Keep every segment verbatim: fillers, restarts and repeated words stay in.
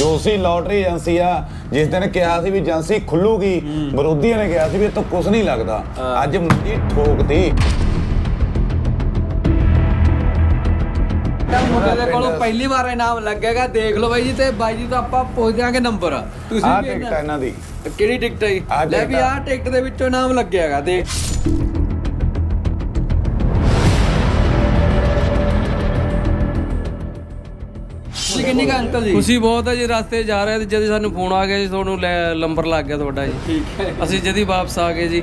ਜੋਸੀ lottery agency ਆ ਜਿਸ ਦਿਨ ਕਿਹਾ ਸੀ ਵੀ ਏਜੰਸੀ ਖੁੱਲੂਗੀ, ਵਿਰੋਧੀਆਂ ਨੇ ਕਿਹਾ ਸੀ ਵੀ ਇਹ ਤੋਂ ਕੁਝ ਨਹੀਂ ਲੱਗਦਾ। ਅੱਜ ਮੰਡੀ ਠੋਕਤੀ। ਮੁੰਡੇ ਦੇ ਕੋਲੋਂ ਪਹਿਲੀ ਵਾਰ ਇਨਾਮ ਲੱਗੇਗਾ, ਦੇਖ ਲਓ ਬਾਈ ਜੀ। ਤੇ ਬਾਈ ਜੀ ਤੋਂ ਆਪਾਂ ਪੁੱਛ ਦਿਆਂਗੇ ਨੰਬਰ। ਤੁਸੀਂ ਆਹ ਟਿਕਟ ਹੈ ਇਹਨਾਂ ਦੀ। ਕਿਹੜੀ ਟਿਕਟ ਹੈ ਜੀ? ਲੈ ਵੀ ਆਹ ਟਿਕਟ ਦੇ ਵਿੱਚੋਂ ਇਨਾਮ ਲੱਗਿਆਗਾ। ਦੇਖ ਕਿੰਨੀ ਕਾ ਅੰਕਲ ਜੀ? ਖੁਸ਼ੀ ਬਹੁਤ ਹੈ ਜੀ। ਰਸਤੇ ਜਾ ਰਹੇ ਤੇ ਜਦ ਸਾਨੂੰ ਫੋਨ ਆ ਗਿਆ ਜੀ, ਤੁਹਾਨੂੰ ਨੰਬਰ ਲੱਗ ਗਿਆ ਤੁਹਾਡਾ ਜੀ। ਠੀਕ ਹੈ, ਅਸੀਂ ਜਦੀ ਵਾਪਸ ਆ ਗਏ ਜੀ।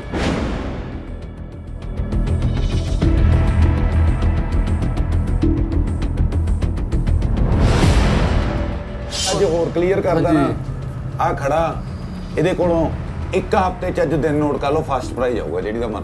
ਅੱਜ ਹੋਰ ਕਲੀਅਰ ਕਰਦਾ ਨਾ, ਆ ਖੜਾ ਇਹਦੇ ਕੋਲੋਂ ਇੱਕ ਹਫ਼ਤੇ ਚ ਅੱਜ ਦਿਨ ਨੋਟ ਕਰ ਲਓ, ਫਸਟ ਪ੍ਰਾਈਜ਼ ਆਊਗਾ ਜਿਹੜੀ ਦਾ ਮਨ।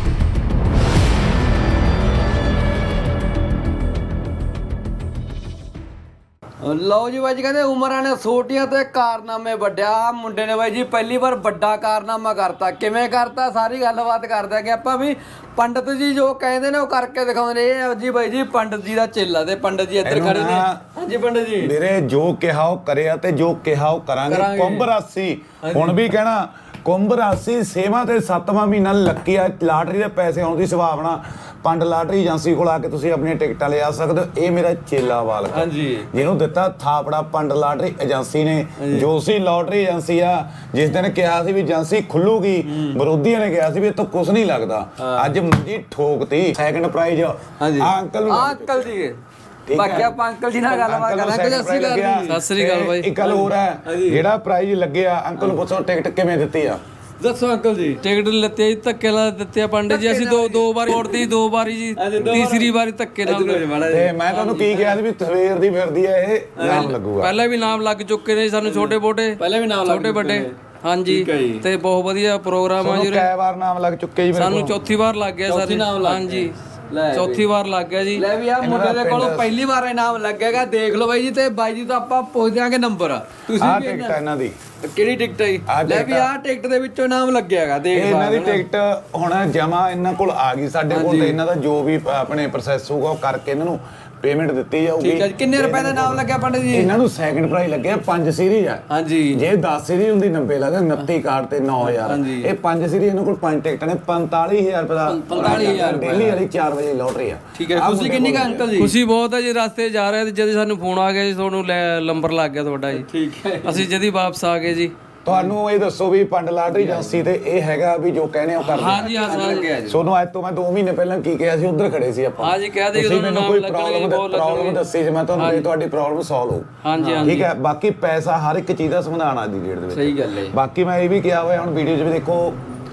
ਲਓ ਜੀ ਬਾਈ ਜੀ, ਕਹਿੰਦੇ ਉਮਰਾਂ ਨੇ ਛੋਟੀਆਂ ਤੇ ਕਾਰਨਾਮੇ ਵੱਡਿਆ। ਮੁੰਡੇ ਨੇ ਬਾਈ ਜੀ ਪਹਿਲੀ ਵਾਰ ਵੱਡਾ ਕਾਰਨਾਮਾ ਕਰਤਾ। ਕਿਵੇਂ ਕਰਤਾ ਸਾਰੀ ਗੱਲਬਾਤ ਕਰਦੇ ਕਿ ਆਪਾਂ ਵੀ। ਪੰਡਤ ਜੀ ਜੋ ਕਹਿੰਦੇ ਨੇ ਉਹ ਕਰਕੇ ਦਿਖਾਉਂਦੇ ਨੇ। ਇਹ ਜੀ ਬਾਈ ਜੀ ਪੰਡਤ ਜੀ ਦਾ ਚੇਲਾ ਤੇ ਪੰਡਤ ਜੀ ਇੱਧਰ ਖੜੇ ਨੇ। ਹਾਂਜੀ ਪੰਡਤ ਜੀ। ਮੇਰੇ ਜੋ ਕਿਹਾ ਉਹ ਕਰਿਆ ਤੇ ਜੋ ਕਿਹਾ ਉਹ ਕਰਾਂਗੇ। ਕੁੰਭ ਰਾਸ਼ੀ ਹੁਣ ਵੀ ਕਹਿਣਾ, ਕੁੰਭ ਰਾਸ਼ੀ ਛੇਵਾਂ ਤੇ ਸੱਤਵਾਂ ਮਹੀਨਾ ਲੱਕੀ ਆ। ਲਾਟਰੀ ਦੇ ਪੈਸੇ ਆਉਣ ਦੀ ਸੰਭਾਵਨਾ। ਪੰਡ ਲਾਟਰੀ ਏਜੰਸੀ ਕੋਲ ਆ ਕੇ ਤੁਸੀਂ ਆਪਣੀਆਂ ਟਿਕਟਾਂ ਲਿਆ ਸਕਦੇ ਹੋ। ਇਹ ਮੇਰਾ ਚੇਲਾ ਵਾਲ ਹਾਂਜੀ, ਜਿਹਨੂੰ ਦਿੱਤਾ ਥਾਪੜਾ ਪੰਡ ਲਾਟਰੀ ਏਜੰਸੀ ਨੇ। ਜੋਸੀ ਲੋਟਰੀ ਏਜੰਸੀ ਆ ਜਿਸ ਦਿਨ ਕਿਹਾ ਸੀ ਵੀ ਏਜੰਸੀ ਖੁੱਲੂਗੀ, ਵਿਰੋਧੀਆਂ ਨੇ ਕਿਹਾ ਸੀ ਵੀ ਇਹ ਤੋਂ ਕੁਝ ਨਹੀਂ ਲੱਗਦਾ। ਅੱਜ ਮੰਡੀ ਠੋਕਤੀ। ਸੈਕੰਡ ਪ੍ਰਾਈਜ਼ ਆ ਅੰਕਲ ਨੂੰ। ਅੰਕਲ ਜੀ ਬਾਕੀ ਆਪਾਂ ਅੰਕਲ ਜੀ ਨਾਲ ਗੱਲਬਾਤ ਕਰਾਂਗੇ। ਸਤਿ ਸ੍ਰੀ ਅਕਾਲ ਬਾਈ। ਇੱਕ ਗੱਲ ਹੋਰ ਹੈ, ਜਿਹੜਾ ਪ੍ਰਾਈਜ਼ ਲੱਗਿਆ ਅੰਕਲ ਨੂੰ ਪੁੱਛੋ ਟਿਕਟ ਕਿਵੇਂ ਦਿੱਤੀ ਆ? ਦੱਸੋ ਅੰਕਲ ਜੀ। ਟਿਕਟ ਲੱਤੇ ਜੀ, ਧੱਕੇ ਨਾਲ ਦਿੱਤੇ ਆ ਪੰਡਿਤ ਜੀ। ਅਸੀਂ ਦੋ ਦੋ ਵਾਰੀ ਮੋੜਦੀ, ਦੋ ਵਾਰੀ ਜੀ, ਤੀਸਰੀ ਵਾਰੀ ਧੱਕੇ ਨਾਲ। ਤੇ ਮੈਂ ਤੁਹਾਨੂੰ ਕੀ ਕਿਹਾ ਸੀ ਵੀ ਸਵੇਰ ਦੀ ਫਿਰਦੀ ਹੈ ਇਹ ਨਾਮ ਲੱਗੂਗਾ। ਪਹਿਲਾਂ ਵੀ ਨਾਮ ਲੱਗ ਚੁੱਕੇ ਨੇ ਸਾਨੂੰ, ਛੋਟੇ ਮੋਟੇ ਪਹਿਲਾਂ ਵੀ ਨਾਮ ਛੋਟੇ ਵੱਡੇ। ਹਾਂਜੀ, ਤੇ ਬਹੁਤ ਵਧੀਆ ਪ੍ਰੋਗਰਾਮ ਆ ਜੀ। ਕਈ ਵਾਰ ਨਾਮ ਲੱਗ ਚੁੱਕੇ ਜੀ ਸਾਨੂੰ ਚੌਥੀ ਵਾਰ ਲੱਗ ਗਿਆ ਸਰ। ਹਾਂਜੀ ਚੌਥੀ ਵਾਰ ਲੱਗ ਗਿਆ ਜੀ। ਲੈ ਵੀ ਆ ਮੁੰਡੇ ਦੇ ਕੋਲੋਂ ਪਹਿਲੀ ਵਾਰ ਇਨਾਮ ਲੱਗੇਗਾ। ਦੇਖ ਲਓ ਬਾਈ ਜੀ। ਤੇ ਬਾਈ ਜੀ ਤੋਂ ਆਪਾਂ ਪੁੱਛ ਦਿਆਂਗੇ ਨੰਬਰ। ਤੁਸੀਂ ਆਹ ਟਿਕਟ ਹੈ ਇਹਨਾਂ ਦੀ। ਕਿਹੜੀ ਟਿਕਟ ਹੈ ਜੀ? ਲੈ ਵੀ ਆਹ ਟਿਕਟ ਦੇ ਵਿੱਚੋਂ ਇਨਾਮ ਲੱਗਿਆਗਾ। ਦੇਖ ਇਹਨਾਂ ਦੀ ਟਿਕਟ ਹੁਣ ਜਮਾ ਇਹਨਾਂ ਕੋਲ ਆ ਗਈ ਸਾਡੇ ਕੋਲ। ਤੇ ਇਹਨਾਂ ਦਾ ਜੋ ਵੀ ਆਪਣੇ ਪ੍ਰੋਸੈਸ ਹੋਊਗਾ ਉਹ ਕਰਕੇ ਇਹਨਾਂ ਨੂੰ ਪੇਮੈਂਟ ਦਿੱਤੀ ਜਾਊਗੀ। ਠੀਕ ਹੈ ਜੀ। ਕਿੰਨੇ ਰੁਪਏ ਦਾ ਇਨਾਮ ਲੱਗਿਆ ਪੰਡਿਤ ਜੀ? ਇਹਨਾਂ ਨੂੰ ਸੈਕੰਡ ਪ੍ਰਾਈਜ਼ ਲੱਗਿਆ। ਪੰਜ ਸੀਰੀਜ਼ ਆ। ਹਾਂਜੀ, ਜੇ ਦਸ ਸੀਰੀਜ਼ ਹੁੰਦੀ ਨੱਬੇ ਲੱਗਦਾ। ਉਨੱਤੀ ਕਾਰਡ ਤੇ ਨੌ ਹਜ਼ਾਰ। ਇਹ ਪੰਜ ਸੀਰੀਜ਼ ਇਹਨਾਂ ਕੋਲ ਪੰਜ ਟਿਕਟਾਂ ਨੇ। ਪੰਤਾਲੀ ਹਜ਼ਾਰ ਰੁਪਏ ਦਾ ਪੰਤਾਲੀ ਹਜ਼ਾਰ ਡੇਲੀ ਵਾਲੀ ਚਾਰ ਵਜੇ ਲੋਟਰੀ ਆ। ਠੀਕ ਹੈ। ਤੁਸੀਂ ਕਿੰਨੀ ਕਾ ਅੰਕਲ ਜੀ? ਖੁਸ਼ੀ ਬਹੁਤ ਹੈ ਜੀ। ਰਸਤੇ ਜਾ ਰਹੇ ਤੇ ਜਦ ਸਾਨੂੰ ਫੋਨ ਆ ਗਿਆ ਜੀ, ਤੁਹਾਨੂੰ ਨੰਬਰ ਲੱਗ ਗਿਆ ਤੁਹਾਡਾ ਜੀ। ਠੀਕ ਹੈ। ਅਸੀਂ ਜਦੀ ਵਾਪਸ ਆ ਗਏ ਜੀ। ਤੁਹਾਨੂੰ ਇਹ ਦੱਸੋ ਵੀ ਪੰਡ ਲਾਟਰੀ ਏਜੰਸੀ ਤੇ ਇਹ ਹੈਗਾ ਵੀ ਜੋ ਕਹਿੰਦੇ ਉਹ ਕਰਦੇ। ਹਾਂਜੀ ਹਾਂ ਸਰ। ਸੋਨੂੰ ਅੱਜ ਤੋਂ ਮੈਂ ਦੋ ਮਹੀਨੇ ਪਹਿਲਾਂ ਕੀ ਕਿਹਾ ਸੀ, ਉਧਰ ਖੜੇ ਸੀ ਆਪਾਂ। ਹਾਂਜੀ ਕਹਿ ਦੇ ਤੁਸੀਂ ਮੈਨੂੰ ਕੋਈ ਪ੍ਰੋਬਲਮ ਪ੍ਰੋਬਲਮ ਦੱਸੀ ਸੀ, ਮੈਂ ਤੁਹਾਨੂੰ ਤੁਹਾਡੀ ਪ੍ਰੋਬਲਮ ਸੋਲਵ ਹੋ। ਹਾਂਜੀ ਹਾਂਜੀ ਠੀਕ ਹੈ। ਬਾਕੀ ਪੈਸਾ ਹਰ ਇੱਕ ਚੀਜ਼ ਦਾ ਸਮਾਧਾਨ ਆ ਦੀ ਡੇਟ ਦੇ ਵਿੱਚ। ਸਹੀ ਗੱਲ ਹੈ। ਬਾਕੀ ਮੈਂ ਇਹ ਵੀ ਕਿਹਾ ਹੋਇਆ ਹੁਣ ਵੀਡੀਓ 'ਚ ਵੀ ਦੇਖੋ,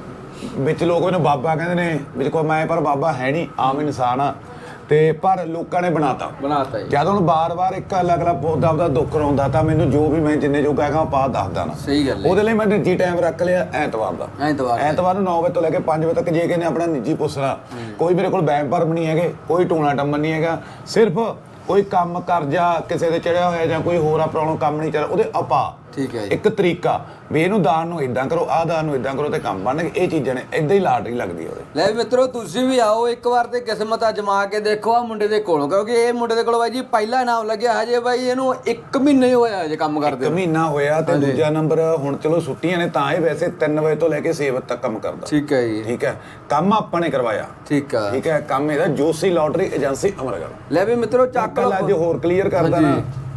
ਵਿੱਚ ਲੋਕ ਮੈਨੂੰ ਬਾਬਾ ਕਹਿੰਦੇ ਨੇ, ਵਿੱਚ ਕੋ ਮੈਂ ਪਰ ਬਾਬਾ ਹੈ ਨਹੀਂ, ਆਮ ਇਨਸਾਨ ਆ। ਤੇ ਪਰ ਲੋਕਾਂ ਨੇ ਬਣਾਤਾ ਬਣਾਤਾ ਜਦ ਹੁਣ ਬਾਰ-ਬਾਰ ਇੱਕ ਅਲੱਗ-ਅਲੱਗ ਪੌਦਾ ਆਪਦਾ ਦੁੱਖ ਰੋਂਦਾ ਤਾਂ ਮੈਨੂੰ ਜੋ ਵੀ ਮੈਂ ਜਿੰਨੇ ਜੋ ਕਹਾਂਗਾ ਪਾ ਦੱਸਦਾ ਨਾ। ਸਹੀ ਗੱਲ ਹੈ। ਉਹਦੇ ਲਈ ਮੈਂ ਨਿੱਜੀ ਟਾਈਮ ਰੱਖ ਲਿਆ ਐਤਵਾਰ ਦਾ। ਐਤਵਾਰ ਐਤਵਾਰ ਨੂੰ ਨੌ ਵਜੇ ਤੋਂ ਲੈ ਕੇ ਪੰਜ ਵਜੇ ਤੱਕ ਜੇ ਕਿਨੇ ਆਪਣਾ ਨਿੱਜੀ ਪੁੱਛਣਾ। ਕੋਈ ਮੇਰੇ ਕੋਲ ਵਹਿਮ ਭਰਮ ਨਹੀਂ ਹੈਗੇ, ਕੋਈ ਟੂਣਾ ਟੰਮਣ ਨਹੀਂ ਹੈਗਾ। ਸਿਰਫ ਕੋਈ ਕੰਮ ਕਰਜ਼ਾ ਕਿਸੇ ਦੇ ਚੜਿਆ ਹੋਇਆ ਜਾਂ ਕੋਈ ਹੋਰ ਆ ਪ੍ਰੋਬਲਮ ਕੰਮ ਨਹੀਂ ਚੱਲ ਉਹਦੇ ਆਪਾ। ਠੀਕ ਹੈ ਜੀ। ਇੱਕ ਤਰੀਕਾ ਵੀ ਇਹਨੂੰ ਦਾਨ ਨੂੰ ਇਦਾਂ ਕਰੋ, ਆਹ ਦਾਨ ਨੂੰ ਇਦਾਂ ਕਰੋ ਤੇ ਕੰਮ ਬਣਨਗੇ। ਇਹ ਚੀਜ਼ਾਂ ਨੇ, ਇਦਾਂ ਹੀ ਲਾਟਰੀ ਲੱਗਦੀ ਉਹਦੇ। ਲੈ ਮਿੱਤਰੋ ਤੁਸੀਂ ਵੀ ਆਓ ਇੱਕ ਵਾਰ ਤੇ ਕਿਸਮਤ ਅਜਮਾ ਕੇ ਦੇਖੋ ਆ ਮੁੰਡੇ ਦੇ ਕੋਲੋਂ, ਕਿਉਂਕਿ ਇਹ ਮੁੰਡੇ ਦੇ ਕੋਲ ਬਾਈ ਜੀ ਪਹਿਲਾ ਇਨਾਮ ਲੱਗਿਆ ਹਜੇ ਬਾਈ ਇਹਨੂੰ ਇੱਕ ਮਹੀਨਾ ਹੀ ਹੋਇਆ ਹਜੇ ਕੰਮ ਕਰਦੇ। ਇੱਕ ਮਹੀਨਾ ਹੋਇਆ ਤੇ ਦੂਜਾ ਨੰਬਰ ਹੁਣ ਚਲੋ ਛੁੱਟੀਆਂ ਨੇ ਤਾਂ ਇਹ ਵੈਸੇ ਤਿੰਨ ਵਜੇ ਤੋਂ ਲੈ ਕੇ ਛੇ ਵਜੇ ਤੱਕ ਕੰਮ ਕਰਦਾ। ਠੀਕ ਹੈ ਜੀ। ਠੀਕ ਹੈ। ਕੰਮ ਆਪਾਂ ਨੇ ਕਰਵਾਇਆ। ਠੀਕ ਹੈ। ਠੀਕ ਹੈ। ਕੰਮ ਇਹਦਾ ਜੋਸੀ ਲੋਟਰੀ ਏਜੰਸੀ ਅਮਰਗੜ੍ਹ। ਲੈ ਵੀ ਮਿੱਤਰੋ ਚੱਕ ਲਓ। ਅੱਜ ਹੋਰ ਕਲੀਅਰ ਕਰਦਾ ਨਾ,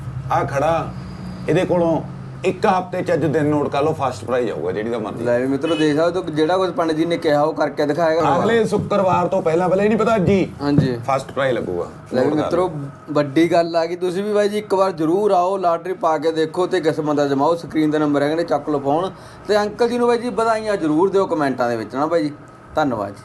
ਆ ਖੜਾ ਇਹਦੇ ਕੋਲੋਂ ਇੱਕ ਹਫ਼ਤੇ ਚ ਅੱਜ ਦਿਨ ਨੋਟ ਕਰ ਲਓ, ਫਸਟ ਪ੍ਰਾਈਜ਼ ਆਊਗਾ ਜਿਹੜੀ ਦਾ ਮਰਜ਼ੀ। ਲੈ ਵੀ ਮਿੱਤਰੋ ਦੇਖ ਸਕਦੇ ਹੋ ਜਿਹੜਾ ਕੁਝ ਪੰਡਿਤ ਜੀ ਨੇ ਕਿਹਾ ਉਹ ਕਰਕੇ ਦਿਖਾਏਗਾ। ਅਗਲੇ ਸ਼ੁੱਕਰਵਾਰ ਤੋਂ ਪਹਿਲਾਂ ਪਹਿਲਾਂ ਹੀ ਨਹੀਂ ਪਤਾ ਜੀ। ਹਾਂਜੀ ਫਸਟ ਪ੍ਰਾਈਜ਼ ਲੱਗੂਗਾ। ਲੈ ਵੀ ਮਿੱਤਰੋ ਵੱਡੀ ਗੱਲ ਆ ਗਈ। ਤੁਸੀਂ ਵੀ ਬਾਈ ਜੀ ਇੱਕ ਵਾਰ ਜ਼ਰੂਰ ਆਓ, ਲਾਟਰੀ ਪਾ ਕੇ ਦੇਖੋ ਤੇ ਕਿਸਮਤ ਅਜਮਾਓ। ਸਕਰੀਨ ਦਾ ਨੰਬਰ ਹੈਗਾ ਨੇ, ਚੱਕ ਲਓ ਫੋਨ। ਤੇ ਅੰਕਲ ਜੀ ਨੂੰ ਬਾਈ ਜੀ ਵਧਾਈਆਂ ਜ਼ਰੂਰ ਦਿਓ ਕਮੈਂਟਾਂ ਦੇ ਵਿੱਚ ਨਾ ਬਾਈ ਜੀ। ਧੰਨਵਾਦ ਜੀ।